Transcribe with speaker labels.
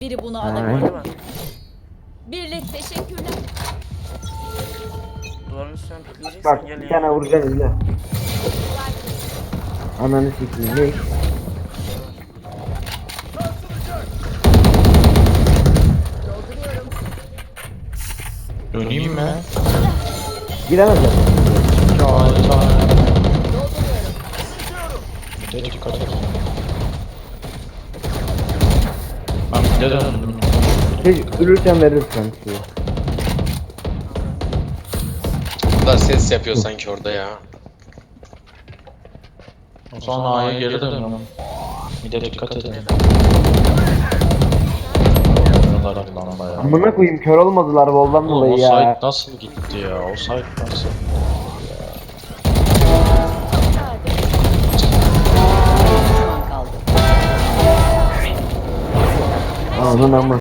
Speaker 1: Biri bunu
Speaker 2: Aynen.
Speaker 1: alabilir.
Speaker 3: Değil mi?
Speaker 1: Birlik teşekkürler.
Speaker 3: Duvarın üstüne pikleyeceksen
Speaker 2: Bak
Speaker 3: gel
Speaker 2: bir tane
Speaker 3: ya.
Speaker 2: vuracaksın izle. Ananı sikeyim ne?
Speaker 4: Döneyim mi?
Speaker 2: Giremezler.
Speaker 4: Ya Allah.
Speaker 1: Dolduruyorum.
Speaker 4: Bir de dikkat et. Ben bir de döndüm.
Speaker 2: Hiç ölürsen veririm kanka.
Speaker 5: Bu da ses yapıyor sanki orada ya.
Speaker 4: O zaman A'ya geri dönüyorum. Bir de dikkat edelim. Oynuyorlar lan bayağı.
Speaker 2: Amına koyayım kör olmadılar voldan
Speaker 4: Oğlum o
Speaker 2: dolayı
Speaker 4: site
Speaker 2: ya.
Speaker 4: nasıl gitti ya? O site nasıl?
Speaker 1: Düşman kaldı.
Speaker 2: Ananın ama.